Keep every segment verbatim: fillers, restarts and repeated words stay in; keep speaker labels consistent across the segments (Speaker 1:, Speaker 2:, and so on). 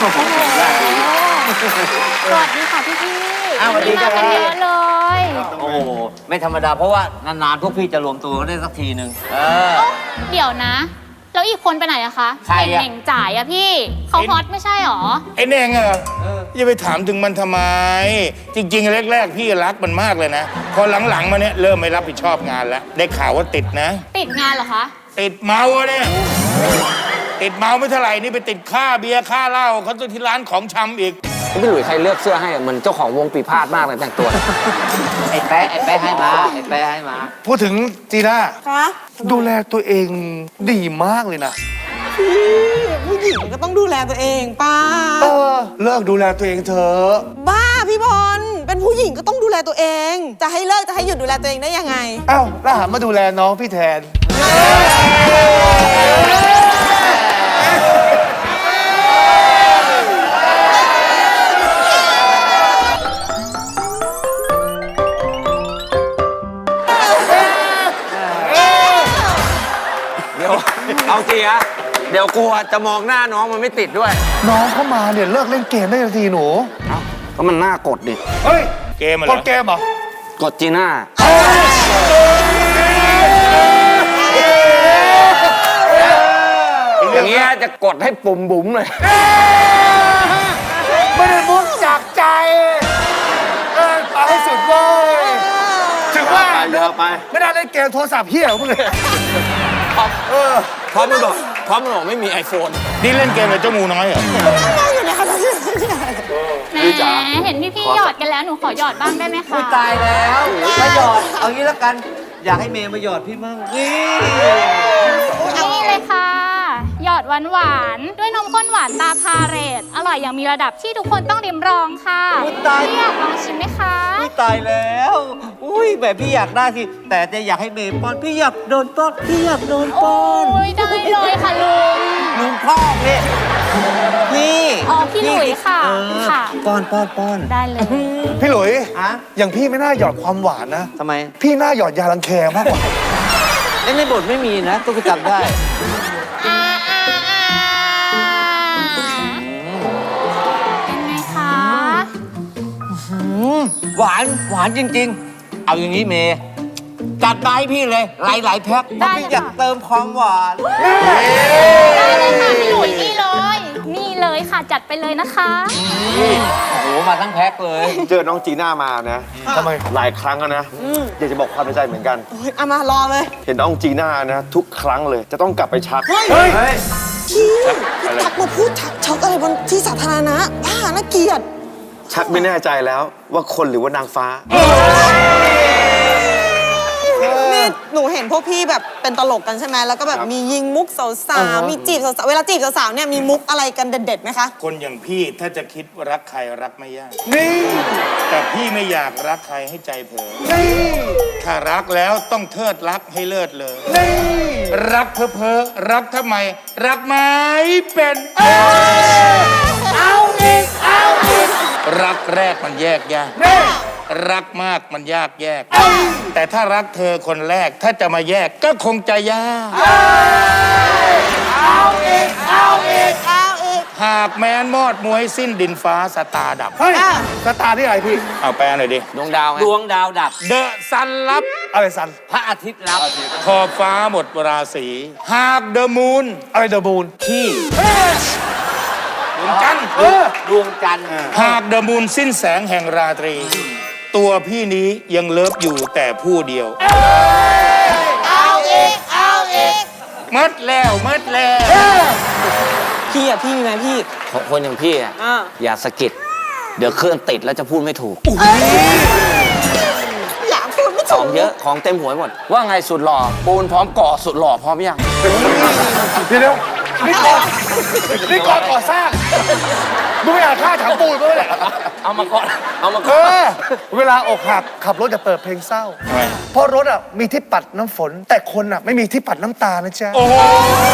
Speaker 1: สวัสดีค่ะพี่พี่
Speaker 2: อ้าวสวัสดีครับ
Speaker 1: มากันเยอะเลย
Speaker 2: โอ้โหไม่ธรรมดาเพราะว่านานๆพวกพี่จะรวมตัวกันได้สักทีหนึ่งเออ
Speaker 1: เดี๋ยวนะ แล้วอีกคนไปไหนอะคะ
Speaker 2: ใครอะ
Speaker 1: เน่งจ่ายอะพี่เขาฮอตไม่ใช่หรอ
Speaker 3: ไอ้เน่งอะอย่าไปถามถึงมันทำไม จริงๆแรกๆพี่รักมันมากเลยนะ พอหลังๆมาเนี่ยเริ่มไม่รับผิดชอบงานแล้ว ได้ข่าวว่าติดนะ
Speaker 1: ติดงานเหรอคะ
Speaker 3: ติดเมาอะเนี่ยติดเมาไม่เท่าไหร่นี่ไปติดค่าเบียร์ค่าเหล้าเขาตัวที่ร้านของชำอีก
Speaker 4: พี่หลุยใครเลือกเสื้อให้เหมือนเจ้าของวงปีพาดมากเลยแต่งตัว
Speaker 2: ไอ้แป๊ะไอ้แป๊ะให้มาไอ้แป๊ะให้มา
Speaker 5: พูดถึงจีน่า
Speaker 6: คะ
Speaker 5: ดูแลตัวเองดีมากเลยนะ
Speaker 6: ผู้หญิงก็ต้องดูแลตัวเองป้า
Speaker 5: เออ เลิกดูแลตัวเองเถอะ
Speaker 6: บ้าพี่บอลเป็นผู้หญิงก็ต้องดูแลตัวเอง จะให้เลิกจะให้หยุดดูแลตัวเองได้ยังไง
Speaker 5: เอ้าแล้วหันมาดูแลน้องพี่แทน
Speaker 4: เดี๋ยว เอาจริงอะเดี๋ยวกลัวจะมองหน้าน้องมันไม่ติดด้วย
Speaker 5: น้องเข้ามาเนี่ยเลิกเล่นเกมได้ทันทีหนู
Speaker 4: เอ้าก็มันน่ากดดิ
Speaker 5: เฮ้ย
Speaker 3: เกมอะไร
Speaker 5: กดเกมเหรอ
Speaker 4: กดจีน่า อย่างเงี้ยจะกดให้ปุ่มบุ๋มเลย
Speaker 5: ไม่ได้มุกจากใจ เออเอาให้สุดเว้ยถึงว่า
Speaker 4: เยอะไป
Speaker 5: ไม่ได้เล่นเกมโทรศัพท์เฮี้ยของมึงเลย เออ
Speaker 4: พร้อมมันบอกพร้อมมันบอกไม่มีไอโฟน
Speaker 3: นี่เล่นเกมกับเจ้างูน้อยเหรอ
Speaker 1: แหมเห็นพี่พี่หยอดกันแล้วหนูขอหยอดบ้างได้ไหมคะ
Speaker 2: ตายแล้วมาหยอดเอางี้แล้วกัน อยากให้เมย์มาหยอดพี่มั่งนี่
Speaker 1: นี่เลยค่ะหยอดหวานหวานๆด้วยนมข้นหวานตาพาเรตอร่อยอย่างมีระดับที่ทุกคนต้องริมรองค่ะพี่อยากลองชิมไหมคะ
Speaker 2: อุ๊ยตายแล้วอุ้ยแบบพี่อยากได้สิแต่จะอยากให้เมย์ป้อนพี่อยากโดนป้อนพี่อยากโดนป้อน
Speaker 1: โอ้ยได้เลยค่ะลุง
Speaker 2: ลุงพ่อพี่นี่
Speaker 1: อ๋อพี่หลุยค่ะ
Speaker 2: เออ
Speaker 1: ค่ะ
Speaker 2: ป้อนป้อนป้อน
Speaker 1: ได้เลย
Speaker 5: พี่หลุย
Speaker 2: อะ
Speaker 5: อย่างพี่ไม่น่าหยอดความหวานนะ
Speaker 2: ทำไม
Speaker 5: พี่น่าหยอดยาลังแคมากกว่า
Speaker 2: เล่นในบทไม่มีนะก็จำได้
Speaker 1: อ่าอ่าอ่าเป็นไงคะ
Speaker 2: หวานหวานจริงๆ เอาอย่างนี้เมย์จัดมาให้พี่เลยหลายๆแพ็คเพราะพี่อยากเติมความหวาน
Speaker 1: ได้เลยค่ะพี่หลุยนี่เลย นี่เลยค่ะจัดไปเลยนะคะ
Speaker 2: โอ้โหมาทั้งแพ็คเลย
Speaker 7: เจอน้องจีน่ามานะ
Speaker 5: ทำไม
Speaker 7: หลายครั้งแล้วนะ อยากจะบอกความในใจเหมือนกัน
Speaker 6: โอ้ยเอามารอเลย
Speaker 7: เห็นน้องจีน่านะ ทุกครั้งเลยจะต้องกลับไปชัก
Speaker 6: เฮ้ย
Speaker 5: เฮ้ย
Speaker 6: พี่ทักมาพูดทักช็อกอะไรบนที่สาธารณะบ้าน่าเกลียด
Speaker 7: ชักไม่แน่ใจแล้วว่าคนหรือว่านางฟ้า
Speaker 6: นี่หนูเห็นพวกพี่แบบเป็นตลกกันใช่ไหมแล้วก็แบบมียิงมุกสาวๆมีจีบสาวๆเวลาจีบสาวๆเนี่ยมีมุกอะไรกันเด็ดๆไหมคะ
Speaker 3: คนอย่างพี่ถ้าจะคิดว่ารักใครรักไม่ยาก
Speaker 5: นี่
Speaker 3: แต่พี่ไม่อยากรักใครให้ใจเผลอ
Speaker 5: นี่
Speaker 3: ถ้ารักแล้วต้องเทิดรักให้เลิศเลย
Speaker 5: นี่
Speaker 3: รักเพ้อเพ้อรักทำไม รักไม่เป็นเอาอีกเอาอีกรักแรกมันแยกยากรักมากมันยากแยก แต่ถ้ารักเธอคนแรกถ้าจะมาแยกก็คงจะยากเอาอีกเอาอีก
Speaker 6: เอาอีก
Speaker 3: หากแม้นมอดมวยสิ้นดินฟ้าสตาร์ดับ
Speaker 5: เฮ้ยสตาร์ที่อะไรพี่
Speaker 3: เอาแปลหน่อยดิ
Speaker 4: ดวงดาวไง
Speaker 2: ดวงดาวดับ
Speaker 3: เดอะซันรับ
Speaker 5: อะไรสัน
Speaker 2: พระอาทิตย์รับ
Speaker 3: ขอบฟ้าหมดราศีหากเดอะมูน
Speaker 5: อะไรเดอะบูน
Speaker 2: ที่
Speaker 3: ดวงจันทร์
Speaker 2: ดวงจันทร์
Speaker 3: หากเดอะมูนสิ้นแสงแห่งราตรี ตัวพี่นี้ยังเลิฟอยู่แต่ผู้เดียว
Speaker 6: เอาอีกเอาอีก
Speaker 3: มัดแล้วมัดแล้ว
Speaker 6: พี่อะพี่มีไหมพี่
Speaker 4: คนอย่างพี่อะ
Speaker 6: อ่า
Speaker 4: อย่าสะกิด เดี๋ยวเครื่องติดแล้วจะพูดไม่ถูก
Speaker 6: อยากพูดไม่
Speaker 4: ข
Speaker 6: ถู
Speaker 4: อก งเยอะ ของเต็มหัวไปหมด ว่าไงสุดหล่อ ปูนพร้อมก่อสุดหล่อพร้อมยัง
Speaker 5: เดี๋ยวเดี๋ยวนี่ก่อนนี่ก่อนก่อสร้างมึงไม่อ่านค่าถามปูนมั้ยเนี่ย
Speaker 4: เอามาก่อน เอามา
Speaker 5: เอ
Speaker 4: ก่อน
Speaker 5: อ เวลาอกหักขับรถอย่าเปิดเพลงเศร้า
Speaker 3: ทำไม
Speaker 5: เพราะรถอ่ะมีที่ปัดน้ำฝน แต่คนอ่ะไม่มีที่ปัดน้ำตานะจ๊ะ
Speaker 3: โอ้โห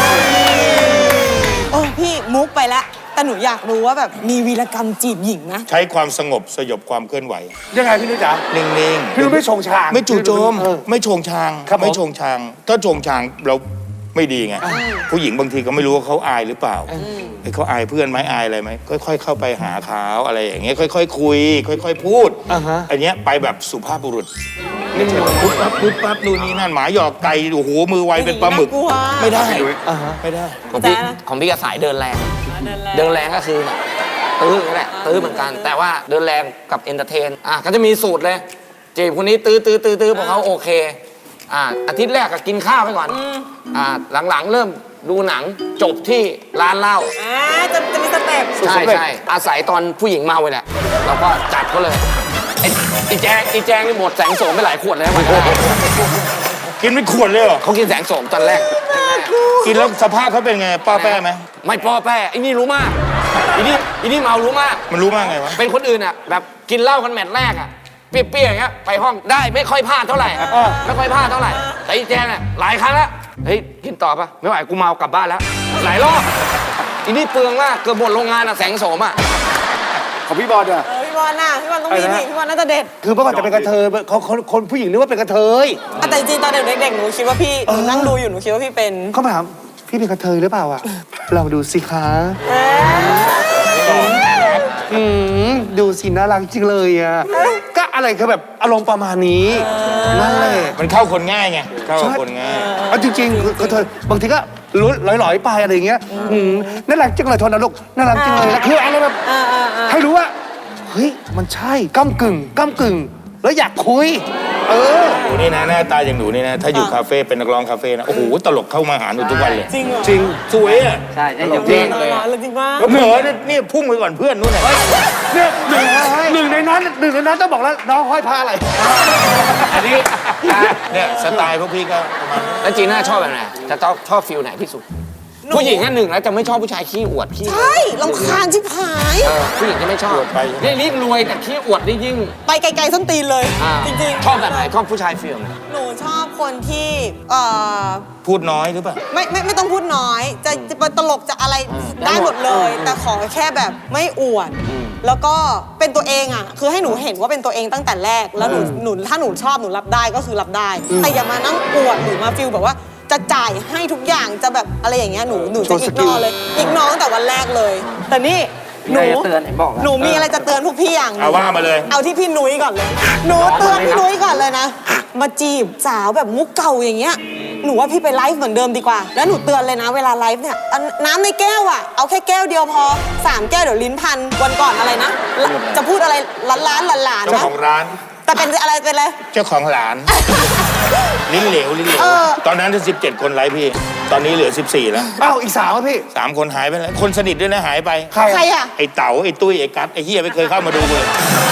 Speaker 6: โอ้พี่มุกไปละแต่หนูอยากรู้ว่าแบบมีวีรกรรมจีบหญิงนะ
Speaker 3: ใช้ความสงบสยบความเคลื่อนไหว
Speaker 5: ยังไงพี่นุ้ยจ๋า
Speaker 3: นิ่งๆ
Speaker 5: พี่นุ้ยไม่ชงชาง
Speaker 3: ไม่จู่โจม
Speaker 5: เออ
Speaker 3: ไม่โชงชาง
Speaker 5: ครับผม
Speaker 3: ไม่โชงชาง ถ้าโชงชางเราไม่ดีไง ผู้หญิงบางทีก็ไม่รู้ว่าเขาอายหรือเปล่าไอ้เขาอายเพื่อนไหมอายอะไรไหมค่อยๆเข้าไปหาเขาอะไรอย่างเงี้ยค่อยๆคุย ค่อยๆพูดอันเนี้ยไปแบบสุภาพบุรุษไม่ใช่แบบปุ๊บปั๊บปุ๊บปั๊บนู่นนี่นั่นหมาหยอกไก่โอ้โหมือไวเป็นปลาหมึก
Speaker 6: น่ากลัว
Speaker 3: ไม่ได้ไม่ได้
Speaker 4: ของพี่
Speaker 6: แต่นะ
Speaker 4: ของพี่ก็สายเดินแรง เดินแรงก็คือแบบตื้อนั่นแหละตื้อเหมือนกัน แต่ว่าเดินแรงกับเอนเตอร์เทนอ่ะก็จะมีสูตรเลยจีบคนนี้ตื้อตื้อตื้อตื้อพอเขาโอเคอ่ะอาทิตย์แรกก็กินข้าวไปก่อนอ่ะหลังๆ เริ่มดูหนังจบที่ร้านเหล้า
Speaker 6: อ่าจะจะมีสเต็ป
Speaker 4: ใช่ใช่อาศัยตอนผู้หญิงเมาไปแหละเราก็จัดเขาเลยไอ้ไอ้แจงไอ้แจงนี่หมดแสงโสมไปหลายขวดเลยนะวันแรก
Speaker 3: กินไม่ขวดเลยเหรอ
Speaker 4: เขากินแสงโสมตอนแรก
Speaker 3: กินแล้วสภาพเขาเป็นไงป้าแป้ไหม
Speaker 4: ไม่ป้อแป้ไอ้นี่รู้มากไอ้นี่ไอ้นี่เมารู้มาก
Speaker 3: มันรู้มากไงวะ
Speaker 4: เป็นคนอื่นอ่ะแบบกินเหล้ากันแมตช์แรกอ่ะเปรี้ยวๆอย่างเงี้ยไปห้องได้ไม่ค่อยพลาดเท่าไหร่ไม่ค่อยพลาดเท่าไหร่แต่อีแจงอ่ะหลายครั้งแล้วเฮ้ยกินต่อปะไม่ไหวกูเมากลับบ้านแล้ว หลายรอบอีนี่เปลืองมากเกือบหมดโรงงานอ่ะแสงโสมอ่ะ
Speaker 5: ของพี่บอลอะ
Speaker 6: เออพี่บอลน่ะพี่บอลต้องมีนี่พี่บอลน่าจะเด็ด
Speaker 5: คือเมื่อก่อนจะเป็นกระเทยเขาคนคนผู้หญิงนึกว่าเป็นกระเทย
Speaker 6: อ่ะแต่จริงๆตอนเด็กๆหนูคิดว่าพี่หนูนั่งดูอยู่หนูคิดว่าพี่เป็น
Speaker 5: เขามาถามพี่เป็นกระเทยหรือเปล่าอะลองดูสิคะอืมดูสิน่ารักจริงเลยอะก็อะไรคือแบบอารมณ์ประมาณนี้นั่นแหละ
Speaker 3: มันเข้าคนง่ายไงเข้ากับคนง่าย
Speaker 5: เอาจริงๆกระเทยบางทีก็ลุ้นลอยๆไปอะไรอย่างเงี้ยอืมน่ารักจังเลยโทนนะลูกน่ารักจังเลยแล้วคืออะไรแบบให้รู้ว่าเฮ้ยมันใช่ก้ากึ่งก้ากึ่งแล้วอยากคุย เออ
Speaker 3: หนูนี่นะหน้าตาอย่างหนูนี่นะ ถ้าอยู่คาเฟ่เป็นนักร้องคาเฟ่นะ โอ้โห ตลกเข้ามาหาหนูทุกวันเลย
Speaker 6: จริงเหรอ
Speaker 3: จริง สวยอ่ะ
Speaker 4: ใช่ใช่
Speaker 3: ตลกจริง
Speaker 6: เลยจริงมาก
Speaker 3: เหนือเนี่ยนี่พุ่งไปก่อนเพื่อนนู่นน่ะ
Speaker 5: เนี่ยหนึ่งหนึ่งในนั้นหนึ่งในนั้นต้องบอกแล้วน้องห้อยผ้าอะไร
Speaker 3: อันนี้เนี่ยสไตล์พวกพี่ก็ประมาณนี้
Speaker 4: แล้วจีน่าชอบแบบไหนจะชอบชอบฟิลไหนที่สุด ผู้หญิงอันหนึ่งแล้วจะไม่ชอบผู้ชายขี้อวดขี้
Speaker 6: ใช่ลำคาญชิบหาย
Speaker 4: เออผู้หญิงจะไม่ชอบนี่ยิ่งรวยแต่ขี้อวดนี่ยิ่ง
Speaker 6: ไปไกลๆส้นตีนเลย
Speaker 4: อ่า
Speaker 6: จริงๆ
Speaker 4: ชอบแบบไหนชอบผู้ชายฟิลไหน
Speaker 6: หนูชอบคนที่เอ่อ
Speaker 3: พูดน้อยหรือเปล่า
Speaker 6: ไม่ไม่ไม่ต้องพูดน้อย จะจะเป็นตลกจะอะไรได้หมดเลย แต่ขอแค่แบบไม่อวด แล้วก็เป็นตัวเองอ่ะ คือให้หนูเห็นว่าเป็นตัวเองตั้งแต่แรก แล้วหนูหนูถ้าหนูชอบหนูรับได้ก็คือรับได้ แต่อย่ามานั่งอวดหรือมาฟิลแบบว่าจะจ่ายให้ทุกอย่างจะแบบอะไรอย่างเงี้ยหนูหนูจะอีกนอเลยอีกนอตั้งแต่วันแรกเลย แต่นี่หนู
Speaker 4: เตือนไหนบอก
Speaker 6: หนูมีอะไรจะเตือนพวกพี่อย่างหนึ่
Speaker 3: เอา
Speaker 6: ง
Speaker 3: ว่ามาเลย
Speaker 6: เอาที่พี่นุ้ยก่อนเลย หนูเตือนพี่นุ้ยก่อนเลยนะ มาจีบสาวแบบมุกเก่าอย่างเงี้ย หนูว่าพี่ไปไลฟ์เหมือนเดิมดีกว่า แล้วหนูเตือนเลยนะเวลาไลฟ์เนี่ยอันน้ำในแก้วอ่ะ เอาแค่แก้วเดียวพอสามแก้วเดี๋ยวลิ้นพัน วันก่อนอะไรนะ จะพูดอะไรล้านล้านหลานๆ
Speaker 3: เจ้า
Speaker 6: นะ
Speaker 3: ของร้าน
Speaker 6: แต่เป็นอะไรเป็นอะไร
Speaker 3: เจ้าของหลาน ลิ้นเหลวลิ้นเหลว
Speaker 6: เออ
Speaker 3: ตอนนั้นจะสิบเจ็ดคนไลฟ์พี่ ตอนนี้เหลือสิบสี่แล้ว
Speaker 5: เอ้าอีกสาวอะพี่
Speaker 3: สามคนหายไปแล้ว คนสนิทด้วยนะหายไป
Speaker 5: ใคร
Speaker 6: ใครอ่ะ
Speaker 3: ไอ้เต๋าไอ้ตุ้ยไอ้กัดไอ้เฮียไม่เคยเข้ามาดูเลย